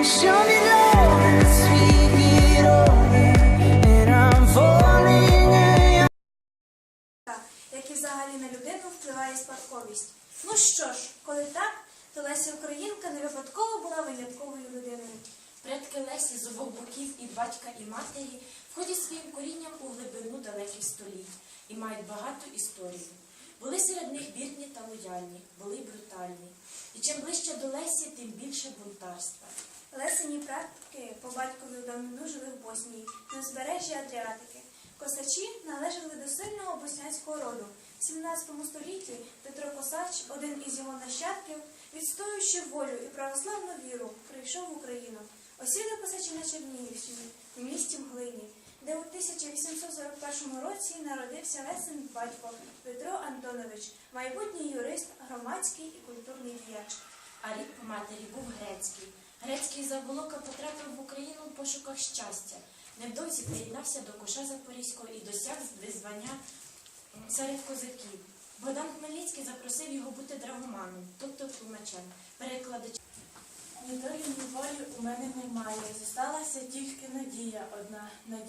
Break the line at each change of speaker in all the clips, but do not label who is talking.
show me love and speak it over, and I'm falling in.
Як і взагалі на людину впливає спадковість. Ну що ж, коли так, то Леся Українка не випадково була винятковою людиною.
Предки Лесі з обох боків і батька, і матері входять своїм корінням у глибину далеких століть і мають багату історію. Були серед них вірні та лояльні, були й брутальні. І чим ближче до Лесі, тим більше бунтарства.
Лесині предки по батькові в давнину жили в Боснії, на узбережжі Адріатики. Косачі належали до сильного боснянського роду. В 17 столітті Петро Косач, один із його нащадків, відстоюючи волю і православну віру, прийшов в Україну. Осіли косачі на Чернігівщині, в місті Мглині, де у 1841 році народився Лесин батько Петро Антонович, майбутній юрист, громадський і культурний діяч.
А рід по матері був грецький. Грецький Заволока потрапив в Україну в пошуках щастя. Невдовзі приєднався до коша Запорізького і досяг звання серед козаків. Богдан Хмельницький запросив його бути драгоманом, тобто тлумачем, перекладачем.
Ні долі, ні волі у мене немає. Зосталася тільки надія одна.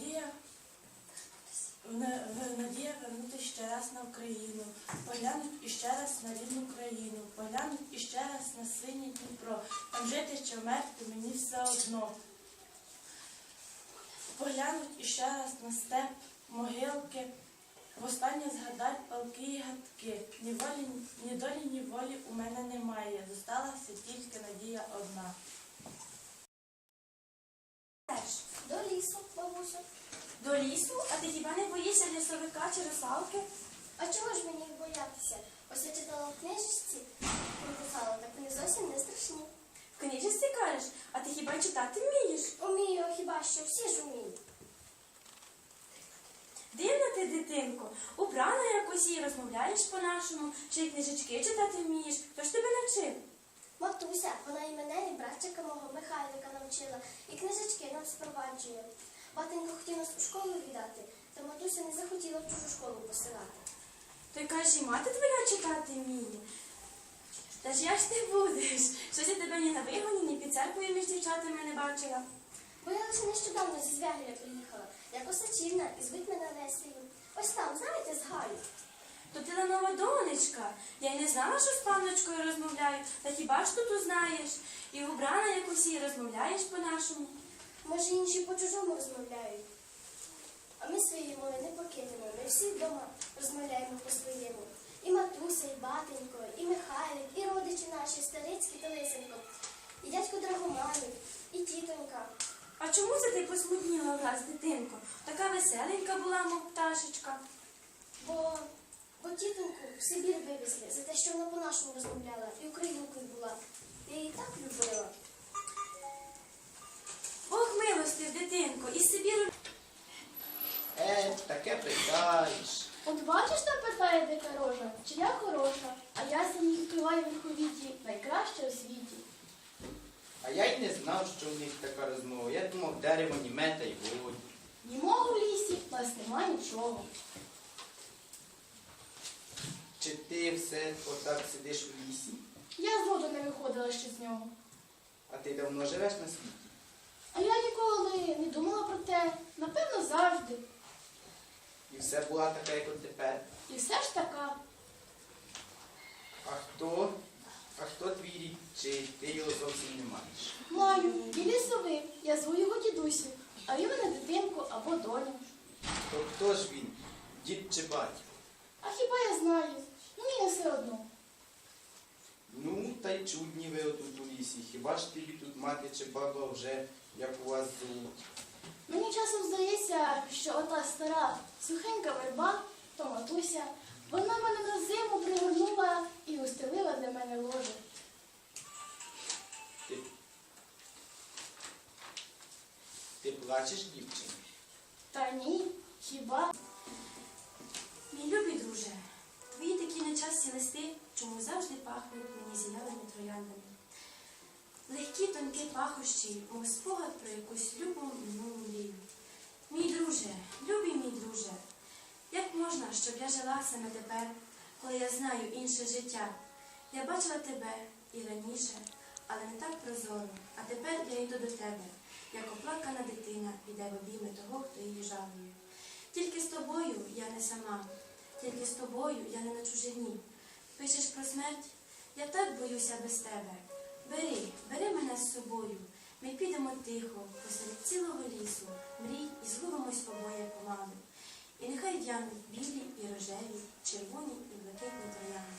Надія вернути ще раз на Україну. Поглянуть іще раз на рідну країну. Поглянуть іще раз на синє Дніпро. Там жити чи вмерти мені все одно. Поглянуть іще раз на степ, могилки. Востаннє згадать палки і гадки. Ні долі, ні волі у мене немає. Зосталася тільки надія одна.
До лісу, бабусю.
До лісу? А ти хіба не боїшся лісовика чи русалки?
А чого ж мені їх боятися? Ось я читала в книжці, написала, так вони зовсім не страшні.
В книжці кажеш? А ти хіба читати вмієш?
Умію, хіба що, всі ж уміють.
Дивна ти, дитинко, убрана якось і розмовляєш по-нашому, чи й книжечки читати вмієш. Хто ж тебе навчив?
Матуся, вона і мене, і братчика мого Михайлика навчила, і книжечки нам спроваджує. Батенько хотів нас у школу віддати, та матуся не захотіла в чужу школу посилати.
Ти кажеш, і мати твоя читати вміє. Та ж як ж ти будеш? Щось я тебе ні на вигоні, ні під церквою між дівчатами не бачила.
Бо я лише нещодавно зі Звягеля приїхала. Я Косачівна, і звуть мене Лесею. Ось там, знаєте, з Гаю.
То ти Ленова донечка. Я й не знала, що з панночкою розмовляю. Та хіба ж тут узнаєш? І убрана якось і розмовляєш по-нашому.
Може, інші по-чужому розмовляють. А ми своєї мови не покинемо. Ми всі вдома розмовляємо по-своєму. І матуся, і батенько, і Михайлик, і родичі наші, Старицький та Лисенко, і дядько Драгоманів, і тітонька.
А чому це ти посмутніла враз, дитинко? Така веселенька була, мов пташечка.
Бо тітоньку в Сибір вивезли за те, що вона по-нашому розмовляла і українкою була. Я її так любила.
Бог милостив, дитинко, із Сибіру.
Таке питаєш.
От бачиш, та питає дика рожа, чи я хороша, а я за них співаю в верховіті, найкраща у світі.
А я й не знав, що в них така розмова. Я думав, дерево німе та й годі.
Німого в лісі, в нас нема нічого.
Чи ти все отак сидиш в лісі?
Я зроду не виходила ще з нього.
А ти давно живеш на світі?
А я ніколи не думала про те, напевно, завжди.
І все була така, як от тепер.
І все ж така.
А хто твій рід? Чи ти його зовсім не маєш?
Маю, він лісовий, я зву його дідусю, а він мене дитинку або доню.
То хто ж він? Дід чи батько?
А хіба я знаю? Мені все одно.
Ну, та й чудні ви отут у лісі. Хіба ж тобі тут мати чи баба вже, як у вас зовуть?
Мені часом здається, що ота стара сухенька верба, то матуся, вона мене на зиму пригорнула і устелила для мене ложе.
Ти плачеш, дівчина?
Та ні, хіба?
Мій любий друже, твої такі нечасті листи, чому завжди пахнуть мені зеленими трояндами. Легкі, тонкі пахощі, мов спогад про якусь любу минулу мрію. Мій друже, любий мій друже, як можна, щоб я жила саме тепер, коли я знаю інше життя? Я бачила тебе і раніше,
але не так прозоро. А тепер я йду до тебе, як оплакана дитина піде в обійми того, хто її жалує. Тільки з тобою я не сама, тільки з тобою я не на чужині. Пишеш про смерть? Я так боюся без тебе. Бери мене з собою. Ми підемо тихо, посеред цілого лісу, мрій і згубимось обоє помалу. І нехай в'януть білі і рожеві, червоні і блакитні троянди.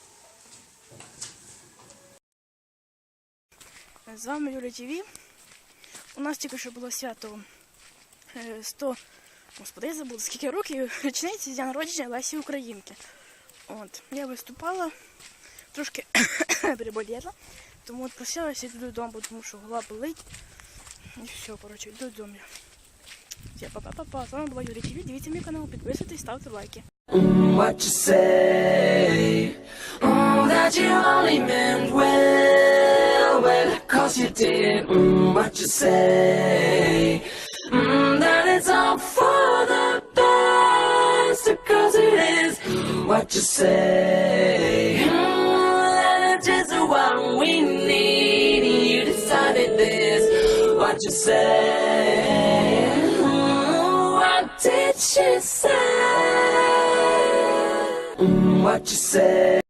З вами Юля ТВ. У нас тільки що було свято 100, господи, я забула, скільки років, річниці з дня народження Лесі Українки. От, я виступала, трошки переболіла, тому от просилася йти додому, тому що голова болить. І все, коротше, йду додому. Все, па-па-па-па. З вами була Юля ТВ. Дивіться мій канал, підписуйтесь, ставте лайки.
What you say? That you only meant well, well, 'cause you did. What you say? That it's all for the best, 'cause it is. What you say? That it's just what we need. You decided this. What you say? What did she say? What you say?